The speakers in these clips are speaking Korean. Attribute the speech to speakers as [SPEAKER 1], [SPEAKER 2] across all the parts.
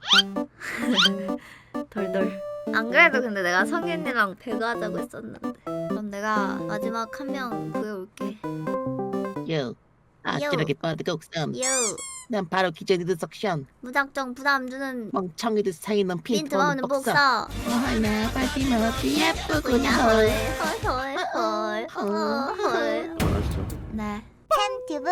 [SPEAKER 1] 덜덜. 안 그래도 근데 내가 성현이랑 배그 하자고 했었는데. 그럼 내가 마지막 한 명 구해올게.
[SPEAKER 2] 요. 아찔하게 뻗고 쌈.
[SPEAKER 1] 요.
[SPEAKER 2] 난 바로 기재리드 석션.
[SPEAKER 1] 무작정 부담 주는
[SPEAKER 2] 멍청이들 사이 넌
[SPEAKER 1] 핀트
[SPEAKER 2] 핀트
[SPEAKER 1] 먹는
[SPEAKER 2] 먹는 복서.
[SPEAKER 1] 복서.
[SPEAKER 2] 하나 빨리 먹기 예쁘구나.
[SPEAKER 1] 헐.
[SPEAKER 3] 알았어.
[SPEAKER 1] 네. 팬튜브.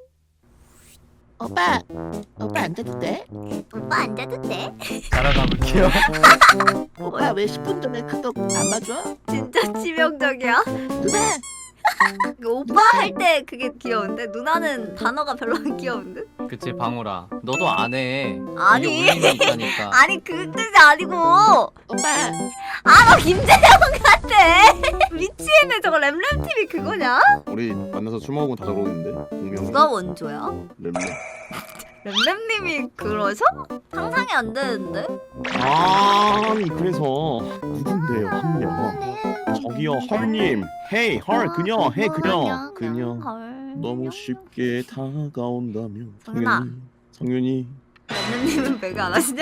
[SPEAKER 2] 오빠 앉아도 돼?
[SPEAKER 1] 오빠 앉아도 돼?
[SPEAKER 4] 따라가 볼게요.
[SPEAKER 2] 오빠 왜 10분 전에 카톡 안 봐줘?
[SPEAKER 1] 진짜 치명적이야.
[SPEAKER 2] 누나
[SPEAKER 1] 그 오빠 할 때 그게 귀여운데 누나는 단어가 별로 안 귀여운데?
[SPEAKER 4] 그치 방울아. 너도 안 해.
[SPEAKER 1] 아니.
[SPEAKER 4] 이게 울림이 있다니까.
[SPEAKER 1] 아니 그 뜻이 아니고.
[SPEAKER 2] 오빠
[SPEAKER 1] 아 너 김재영 같아. 미치겠네 저거 램램TV 그거냐?
[SPEAKER 3] 우리 만나서 술 먹으면 다 저러는데 공명.
[SPEAKER 1] 누가 원조야?
[SPEAKER 3] 렘렘.
[SPEAKER 1] 램램님이 그러셔? 상상이 안 되는데?
[SPEAKER 3] 아니 그래서 누군데요 한 명. 저기요 헐님. 헤이 헐 그녀. 헤이 그녀. 그녀.
[SPEAKER 1] 헐.
[SPEAKER 3] 너무 쉽게 다가온다면.
[SPEAKER 1] 성윤아.
[SPEAKER 3] 성윤이.
[SPEAKER 1] 램램님은 배그 안 하시냐?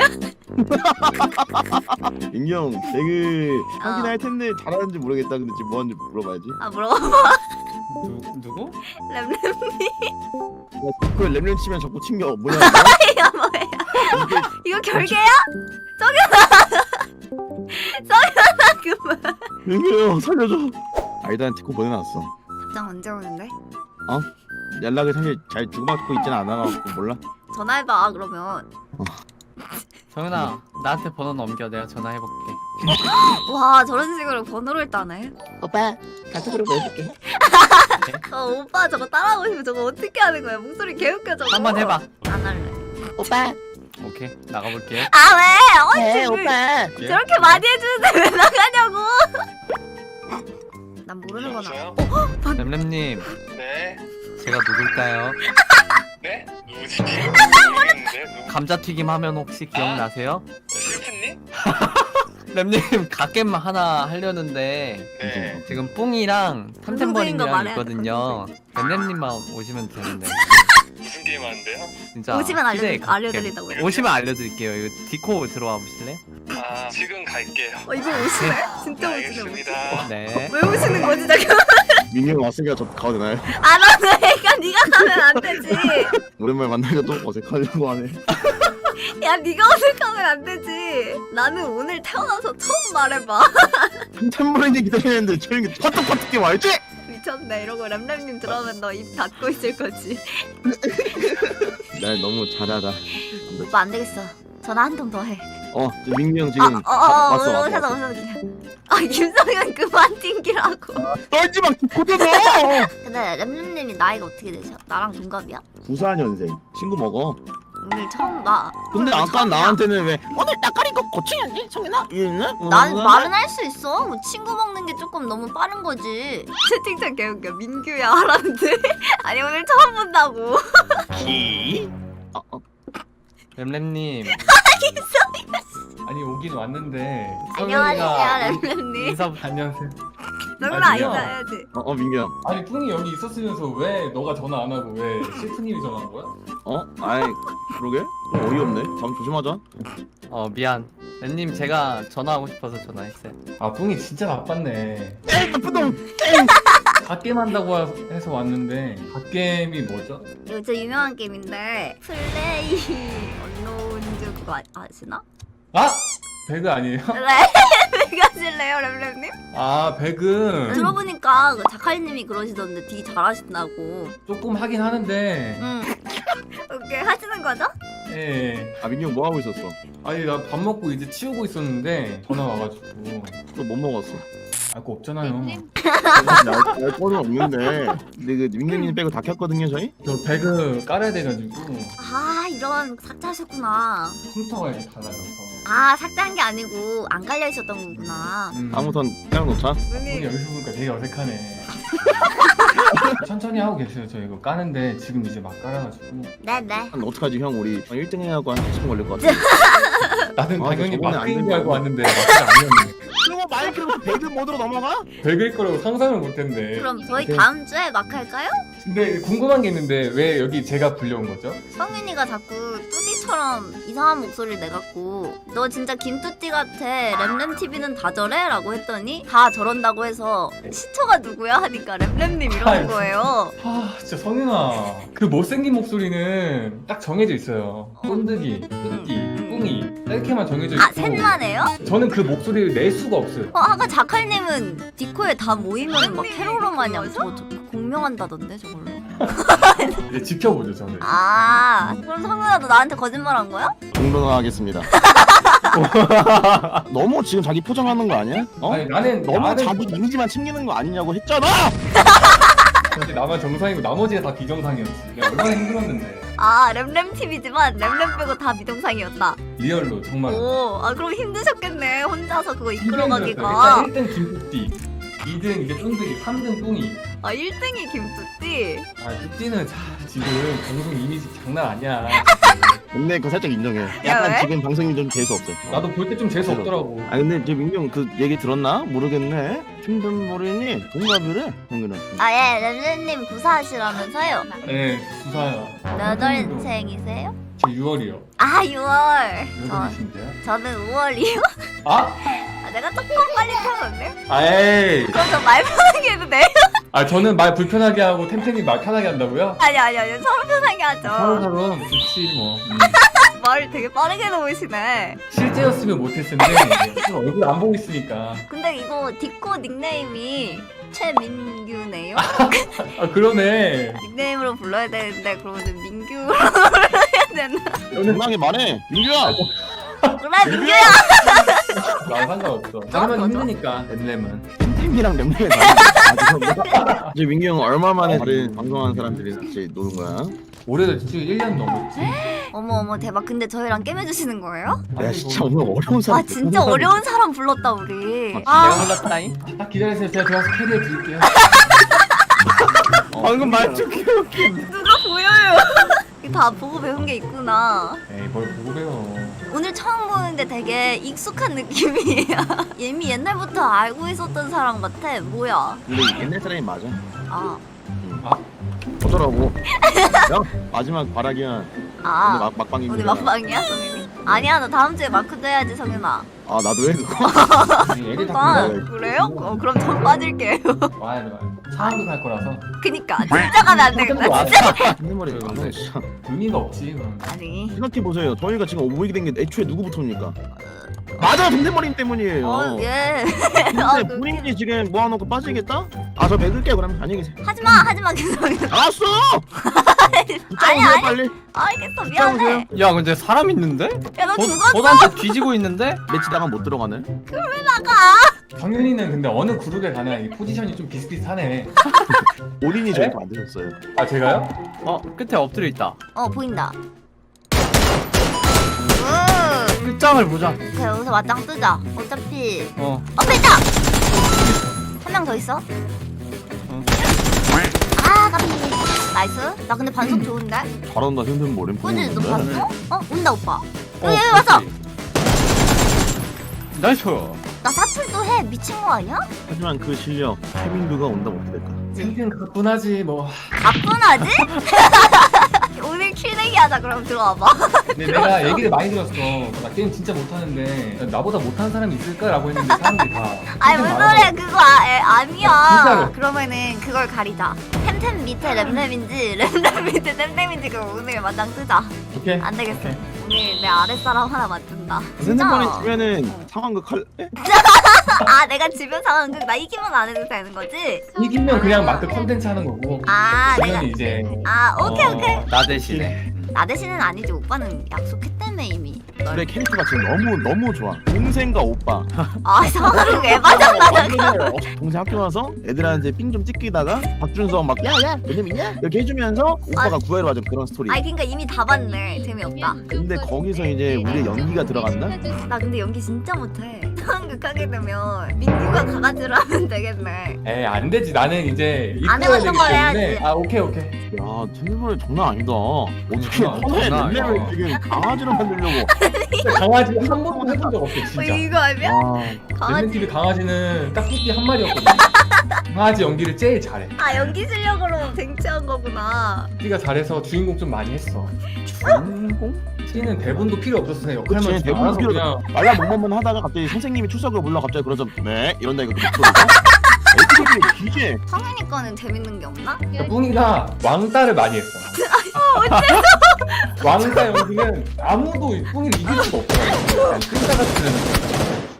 [SPEAKER 3] 인경 배그 하긴 할 텐데 잘하는지 모르겠다. 근데 지금 뭐 하는지 물어봐야지.
[SPEAKER 1] 아 물어봐.
[SPEAKER 4] 누구?
[SPEAKER 1] 램램
[SPEAKER 3] 그 렘렘 치면 자꾸 튕겨. 뭐냐
[SPEAKER 1] 야 뭐야? 이거 결계야? 성현아 그만.
[SPEAKER 3] 인경요 살려줘. 아이들한테 코 보내놨어.
[SPEAKER 1] 답장 언제 오는데?
[SPEAKER 3] 연락을 사실 잘 주고받고 있지는 않아가지고 몰라.
[SPEAKER 1] 전화해봐 그러면.
[SPEAKER 4] 성윤아 나한테 번호 넘겨. 내가 전화해볼게.
[SPEAKER 1] 와 저런 식으로 번호를 따네.
[SPEAKER 2] 오빠 카톡으로 보여줄게.
[SPEAKER 1] 오빠 저거 따라하고 싶으면 저거 어떻게 하는 거야? 목소리 개웃겨 저거.
[SPEAKER 4] 한번 해봐.
[SPEAKER 1] 안 할래.
[SPEAKER 2] 오빠
[SPEAKER 4] 오케이 나가볼게요.
[SPEAKER 1] 아 왜?
[SPEAKER 2] 네
[SPEAKER 1] 언제
[SPEAKER 2] 오빠.
[SPEAKER 1] 저렇게 많이 해주는데 왜 나가냐고? 난 모르는 거나.
[SPEAKER 4] 램램님
[SPEAKER 5] 네?
[SPEAKER 4] 제가 누굴까요?
[SPEAKER 5] 네? 누구지? 모르겠는데? 누구?
[SPEAKER 4] 감자튀김 하면 혹시 기억나세요?
[SPEAKER 5] 실프님?
[SPEAKER 4] 램님 갓겜 하나 하려는데
[SPEAKER 5] 네.
[SPEAKER 4] 지금 뿡이랑
[SPEAKER 1] 거
[SPEAKER 4] 탐템버린이랑
[SPEAKER 1] 말해야
[SPEAKER 4] 있거든요. 램램님만 오시면 되는데
[SPEAKER 5] 무슨 게임 하는데요?
[SPEAKER 4] 진짜
[SPEAKER 1] 오시면
[SPEAKER 4] 기대해 갈게요.
[SPEAKER 1] 알려드린다고.
[SPEAKER 4] 오시면 알려드릴게요. 이거 디코 들어와 보실래?
[SPEAKER 5] 아 지금 갈게요.
[SPEAKER 1] 이거 오시네? 진짜 오시네.
[SPEAKER 5] 알겠습니다.
[SPEAKER 4] 네.
[SPEAKER 1] 왜 오시는 거지 잠깐?
[SPEAKER 3] 민경 왔으니까 저 가도 되나요?
[SPEAKER 1] 아 너는 그러니까 네가 가면 안 되지.
[SPEAKER 3] 오랜만에 만나니까 또 어색하려고 하네.
[SPEAKER 1] 야 네가 어색하면 안 되지. 나는 오늘 태어나서 처음 말해봐.
[SPEAKER 3] 템버린이 기다리는데 저녁에 파떡파떡게 와야지.
[SPEAKER 1] 미쳤네. 이러고 램램님 들어오면 너 입 닫고 있을 거지.
[SPEAKER 3] 날 너무 잘하다.
[SPEAKER 1] 오빠 안 되겠어. 전화 한 통 더 해.
[SPEAKER 3] 저 민경 지금 왔어.
[SPEAKER 1] 오셔서. 아 김성현 그만 튕기라고.
[SPEAKER 3] 떨지 마. 고쳐줘.
[SPEAKER 1] 근데 램램님이 나이가 어떻게 되셔? 나랑 동갑이야?
[SPEAKER 3] 94년생. 친구 먹어.
[SPEAKER 1] 오늘 처음 봐.
[SPEAKER 3] 근데
[SPEAKER 1] 오늘
[SPEAKER 3] 아까
[SPEAKER 1] 처음이야.
[SPEAKER 3] 나한테는 왜
[SPEAKER 2] 오늘 나까리 거 고치겠니 성윤아?
[SPEAKER 1] 난 말은 할 수 있어. 뭐 친구 먹는 게 조금 너무 빠른 거지. 채팅창 개웃겨. 민규야 하라는데. 아니 오늘 처음 본다고.
[SPEAKER 3] 기?
[SPEAKER 4] 램램님. 아니 오긴 왔는데.
[SPEAKER 1] 안녕하세요 램램님.
[SPEAKER 4] 인사부터 안녕하세요.
[SPEAKER 1] 너구나
[SPEAKER 4] 아니요.
[SPEAKER 1] 인사해야지.
[SPEAKER 3] 민경.
[SPEAKER 6] 아니 뿡이 여기 있었으면서 왜 너가 전화 안 하고 왜 실프님이 전화한 거야?
[SPEAKER 3] 아이 그러게? 어이없네. 다음 조심하자.
[SPEAKER 4] 미안. 램님 제가 전화하고 싶어서 전화했어요.
[SPEAKER 6] 아 뿡이 진짜 바빴네.
[SPEAKER 3] 에이 나쁜 놈.
[SPEAKER 6] 갓게임 한다고 해서 왔는데 갓게임이 뭐죠?
[SPEAKER 1] 이거 진짜 유명한 게임인데 플레이 언노운즈 그거 아시나?
[SPEAKER 6] 아! 배그 아니에요?
[SPEAKER 1] 네. 가실래요 램램님?
[SPEAKER 6] 아 배그
[SPEAKER 1] 들어보니까 그 자칼님이 그러시던데 되게 잘하신다고.
[SPEAKER 6] 조금 하긴 하는데
[SPEAKER 1] 응. 오케이 하시는 거죠?
[SPEAKER 6] 예.
[SPEAKER 3] 민경 뭐 하고 있었어?
[SPEAKER 6] 아니 나 밥 먹고 이제 치우고 있었는데 전화 와가지고
[SPEAKER 3] 또 뭐 먹었어?
[SPEAKER 6] 알 거 없잖아요.
[SPEAKER 3] 알 거는 없는데. 근데 그 민경님 빼고 다 켰거든요 저희?
[SPEAKER 6] 저 배그 깔아야 돼가지고
[SPEAKER 1] 아 이런 삭제하셨구나.
[SPEAKER 6] 컴퓨터가 이렇게 달라져서
[SPEAKER 1] 아 삭제한 게 아니고 안 깔려 있었던 거구나.
[SPEAKER 3] 아무튼 그냥 놓자.
[SPEAKER 6] 뿡이 여기서 보니까 되게 어색하네. 천천히 하고 계세요. 저 이거 까는데 지금 이제 막 깔아가지고
[SPEAKER 1] 네네.
[SPEAKER 3] 한 어떡하지 형 우리 1등 해야고 한 30분 걸릴 것 같아.
[SPEAKER 6] 나는
[SPEAKER 3] 아,
[SPEAKER 6] 당연히
[SPEAKER 3] 저번에 안
[SPEAKER 6] 마크인
[SPEAKER 3] 된다고.
[SPEAKER 6] 줄 알고 왔는데 마크가 아니었네.
[SPEAKER 3] 그리고 마이크로 배그 모드로 넘어가?
[SPEAKER 6] 배그일 거라고 상상을 못했네.
[SPEAKER 1] 그럼 저희
[SPEAKER 6] 오케이.
[SPEAKER 1] 다음 주에 마크 할까요?
[SPEAKER 6] 근데 궁금한 게 있는데 왜 여기 제가 불려온 거죠?
[SPEAKER 1] 성윤이가 자꾸 뚜띠처럼 이상한 목소리를 내갖고 너 진짜 김뚜띠 같아 램램TV는 다 저래? 라고 했더니 다 저런다고 해서 시초가 누구야? 하니까 램램님 이러는 거예요.
[SPEAKER 6] 아 진짜 성윤아 그 못생긴 목소리는 딱 정해져 있어요. 꼰득이, 뚜띠, 뿡이 이렇게만 정해져 있고
[SPEAKER 1] 아 셋만 해요?
[SPEAKER 6] 저는 그 목소리를 낼 수가 없어요.
[SPEAKER 1] 아까 자칼님은 디코에 다 모이면 막 캐롤러 마냥 저거 공명한다던데 저걸로.
[SPEAKER 6] 이제 지켜보죠 저는.
[SPEAKER 1] 아 그럼 성윤아 너 나한테 거짓말한 거야?
[SPEAKER 3] 공론하겠습니다. 너무 지금 자기 포장하는 거 아니야? 어?
[SPEAKER 6] 아니 나는
[SPEAKER 3] 너무 자기 이미지만 챙기는 거 아니냐고 했잖아.
[SPEAKER 6] 사실 나만 정상이고 나머지가 다 비정상이었지. 내가 얼마나 힘들었는데.
[SPEAKER 1] 아 램램TV지만 램램 빼고 다 미동상이었다.
[SPEAKER 6] 리얼로 정말.
[SPEAKER 1] 오, 아 그럼 힘드셨겠네 혼자서 그거
[SPEAKER 6] 힘들었어요.
[SPEAKER 1] 이끌어가기가.
[SPEAKER 6] 일단 1등 김뚜띠, 2등 이제 쫀득이, 3등 뿡이.
[SPEAKER 1] 아 1등이 김뚜띠.
[SPEAKER 6] 아 뚜띠는 지금 방송 이미지 장난 아니야.
[SPEAKER 3] 근데 그거 살짝 인정해.
[SPEAKER 1] 야,
[SPEAKER 3] 약간
[SPEAKER 1] 왜?
[SPEAKER 3] 지금 방송이 좀 재수 없어.
[SPEAKER 6] 나도 볼 때 좀 재수 없더라고.
[SPEAKER 3] 아 근데 저 민경 그 얘기 들었나? 모르겠네. 춘분머리니 동갑이래. 형님은.
[SPEAKER 1] 아예 램램님 구사하시라면서요?
[SPEAKER 6] 네, 수사야.
[SPEAKER 1] 몇 월생이세요?
[SPEAKER 6] 저 6월이요.
[SPEAKER 1] 아 6월.
[SPEAKER 6] 몇 월이신데요?
[SPEAKER 1] 저는 5월이요.
[SPEAKER 6] 아?
[SPEAKER 1] 아, 내가 조금 빨리 태어났네.
[SPEAKER 6] 아이.
[SPEAKER 1] 그럼 저 말 편하게 해도 돼요?
[SPEAKER 6] 아 저는 말 불편하게 하고 템템이 말 편하게 한다고요?
[SPEAKER 1] 아니 서로 편하게 하죠.
[SPEAKER 6] 서로 좋지 뭐.
[SPEAKER 1] 말 되게 빠르게 놓으시네.
[SPEAKER 6] 실제였으면 못했을 텐데 지금 얼굴 안 보고 있으니까.
[SPEAKER 1] 근데 이거 디코 닉네임이 최민규네요.
[SPEAKER 6] 아 그러네.
[SPEAKER 1] 닉네임으로 불러야 되는데 그러면 민규로 불러야 되나?
[SPEAKER 3] 정당하게 말해. 민규야.
[SPEAKER 1] 그래 민규야.
[SPEAKER 6] 나 상관없어. 나만 힘드니까 램램은.
[SPEAKER 3] 팀이랑 램램에 다르. 이제 민규 형 얼마 만에 다른 방송하는 사람들이 같이 노는 거야?
[SPEAKER 6] 올해도 지금 1년 넘었지.
[SPEAKER 1] 어머 대박. 근데 저희랑 게임해주시는 거예요?
[SPEAKER 3] 야 진짜 오늘 어려운 사람.
[SPEAKER 1] 와 진짜 어려운 사람 불렀다 우리.
[SPEAKER 4] 내가
[SPEAKER 1] 아
[SPEAKER 4] 흘렀다잉.
[SPEAKER 6] 딱 기다리세요. 제가 들어가서 캐리해 드릴게요.
[SPEAKER 4] 방금 말투 귀엽게.
[SPEAKER 1] 누가 보여요? 다 보고 배운 게 있구나.
[SPEAKER 6] 에이 뭘 보고 배워.
[SPEAKER 1] 오늘 처음 보는데 되게 익숙한 느낌이야. 예미 옛날부터 알고 있었던 사람 같아. 뭐야?
[SPEAKER 3] 근데 옛날 사람이 맞아.
[SPEAKER 1] 아.
[SPEAKER 3] 어쩌라고. 야 마지막 바라기야. 오늘
[SPEAKER 1] 아.
[SPEAKER 3] 막방인
[SPEAKER 1] 오늘
[SPEAKER 3] 거야.
[SPEAKER 1] 막방이야 성윤이? 아니야 나 다음 주에 마크도 해야지 성윤아.
[SPEAKER 3] 아 나도 해 그거.
[SPEAKER 6] 애들 다
[SPEAKER 1] 아
[SPEAKER 6] 불러요.
[SPEAKER 1] 그래요? 그럼 전 빠질게요.
[SPEAKER 6] 와야 돼. 사람도 갈 거라서
[SPEAKER 1] 그니까 진짜 가면 안 되겠다 진짜.
[SPEAKER 3] 핸드머리 방송 진짜.
[SPEAKER 6] 의미가 없지. 그럼.
[SPEAKER 1] 아니
[SPEAKER 3] 생각해 보세요. 저희가 지금 오보이게 된 게 애초에 누구부터입니까? 맞아 동대머리 때문이에요.
[SPEAKER 1] 예.
[SPEAKER 3] 근데 본인이 지금 모아놓고 빠지겠다? 아 저 맥을게 그럼 안녕히 계세요.
[SPEAKER 1] 하지마 계속.
[SPEAKER 3] 알았어.
[SPEAKER 1] 아니
[SPEAKER 3] 붙잡으세요 빨리.
[SPEAKER 1] 알겠어 미안해.
[SPEAKER 4] 야 근데 사람 있는데?
[SPEAKER 1] 야 너 죽었어.
[SPEAKER 4] 보단테 뒤지고 있는데?
[SPEAKER 3] 매치 나가면 못 들어가네.
[SPEAKER 6] 성윤이는 근데 어느 그룹에 가나 이 포지션이 좀 비슷비슷하네.
[SPEAKER 3] 올인이 저희 거 만드셨어요.
[SPEAKER 6] 아 제가요?
[SPEAKER 4] 어 끝에 엎드려 있다.
[SPEAKER 1] 보인다.
[SPEAKER 4] 끝장을 보자.
[SPEAKER 1] 그래 여기서 맞짱 뜨자. 어차피
[SPEAKER 4] 어.
[SPEAKER 1] 앞에 있다. 한 명 더 있어.
[SPEAKER 4] 응.
[SPEAKER 1] 아 깜짝이야. 나이스. 나 근데 반속 좋은데?
[SPEAKER 3] 잘한다 핸드머리.
[SPEAKER 1] 꾸지 너 봤어? 온다 오빠.
[SPEAKER 4] 어,
[SPEAKER 1] 여기 왔어.
[SPEAKER 4] 나이스.
[SPEAKER 1] 나 사툴도 해. 미친 거 아니야?
[SPEAKER 3] 하지만 그 실력 최민규가 온다면 어떻게 될까?
[SPEAKER 6] 템템 가뿐하지 뭐.
[SPEAKER 1] 가뿐하지? 오늘 킬내기 하자. 그럼 들어와봐.
[SPEAKER 6] 근데 내가 얘기를 많이 들었어. 나 게임 진짜 못하는데 나보다 못하는 사람이 있을까라고 했는데 사람들이 다.
[SPEAKER 1] 아니 무슨 소리야 그거 아니야.
[SPEAKER 6] 진짜로.
[SPEAKER 1] 그러면은 그걸 가리자. 템템 밑에 램램인지 램램 밑에 템템인지 그럼 오늘 맞짱 뜨자.
[SPEAKER 6] 오케이.
[SPEAKER 1] 안 되겠어. 오늘 내 아랫사람 하나 맞춘다.
[SPEAKER 3] 핸드머리 주면은 상황극 할.
[SPEAKER 1] 아 내가 주변 상황 나 이기면 안 해도 되는 거지?
[SPEAKER 6] 이기면 그냥 마크 컨텐츠 하는 거고.
[SPEAKER 1] 아 내가
[SPEAKER 6] 지면 이제.
[SPEAKER 1] 오케이.
[SPEAKER 4] 나 대신에.
[SPEAKER 1] 나 대신은 아니지. 오빠는 약속했다며 이미.
[SPEAKER 3] 내 캐릭터가 지금 너무 좋아. 동생과 오빠.
[SPEAKER 1] 아 상황을 왜 맞아가다가.
[SPEAKER 3] 동생 학교 와서 애들한테 삥 좀 찍히다가 박준성 막 야야 너네 있냐? 이렇게 해주면서 오빠가 구애로 하자 그런 스토리.
[SPEAKER 1] 아니 그러니까 이미 다 봤네. 재미없다.
[SPEAKER 3] 근데 거기서 이제 우리의 연기가 들어간다?
[SPEAKER 1] 나 근데 연기 진짜 못해. 상상극하게 되면 민규가 강아지를 하면 되겠네.
[SPEAKER 6] 에이 안 되지. 나는 이제
[SPEAKER 1] 안
[SPEAKER 6] 이끌어야
[SPEAKER 1] 해봤던
[SPEAKER 6] 되기
[SPEAKER 1] 걸
[SPEAKER 6] 때문에.
[SPEAKER 1] 해야지.
[SPEAKER 6] 아 오케이.
[SPEAKER 3] 야 템플러는 장난 아니다. 어떻게
[SPEAKER 4] 장난 아니야.
[SPEAKER 3] 렘렘을 지금 강아지로 만들려고?
[SPEAKER 6] 근데 강아지 한 번도 해본 적 없어 진짜.
[SPEAKER 1] 이거 알면?
[SPEAKER 3] 와
[SPEAKER 1] 강아지.
[SPEAKER 6] 렘렘TV 강아지는 딱 뚜띠 한 마리였거든. 강아지 연기를 제일 잘해.
[SPEAKER 1] 아 연기 실력으로 쟁취한 거구나.
[SPEAKER 6] 뚜띠가 잘해서 주인공 좀 많이 했어.
[SPEAKER 3] 주인공?
[SPEAKER 6] 띠는 대본도 필요 없었어. 그냥 역할만
[SPEAKER 3] 그치,
[SPEAKER 6] 좀
[SPEAKER 3] 대본도
[SPEAKER 6] 알아서
[SPEAKER 3] 필요
[SPEAKER 6] 그냥.
[SPEAKER 3] 말라 먹먹만 하다가 갑자기 선생님이 출석을 불러 갑자기 그러자 네 이런다 이거 목소리가 애들이 기재
[SPEAKER 1] 성현이 거는 재밌는 게 없나?
[SPEAKER 6] 뿡이가 왕따를 많이 했어. 왕따 연기는 아무도 뿡이를 이길 수가 없어. 끈다 같은.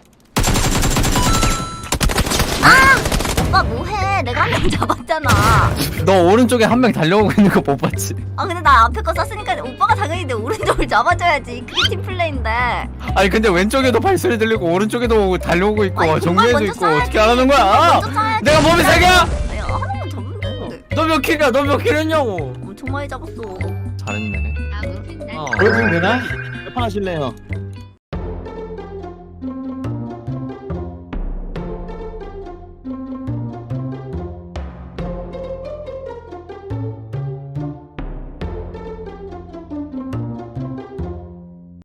[SPEAKER 1] 오빠 뭐해? 내가 한 명 잡았잖아.
[SPEAKER 4] 너 오른쪽에 한 명 달려오고 있는 거 못 봤지?
[SPEAKER 1] 아 근데 나 앞에 거 쐈으니까 오빠가 당연히 내 오른쪽을 잡아줘야지. 그게 팀플레이인데.
[SPEAKER 4] 아니 근데 왼쪽에도 발소리 들리고 오른쪽에도 달려오고 있고
[SPEAKER 1] 아니,
[SPEAKER 4] 정면에도
[SPEAKER 1] 먼저
[SPEAKER 4] 있고
[SPEAKER 1] 쏴야지.
[SPEAKER 4] 어떻게 하라는 거야?
[SPEAKER 1] 먼저 쏴야지.
[SPEAKER 4] 내가 몸이 세 개야?
[SPEAKER 1] 아니 하나만 잡으면 되는데.
[SPEAKER 4] 너 몇 킬이야? 너 몇 킬 했냐고?
[SPEAKER 1] 엄청 많이 잡았어.
[SPEAKER 4] 잘했네.
[SPEAKER 1] 아 웃긴데.
[SPEAKER 4] 어.
[SPEAKER 6] 보여주면 되나?
[SPEAKER 3] 몇판 하실래요?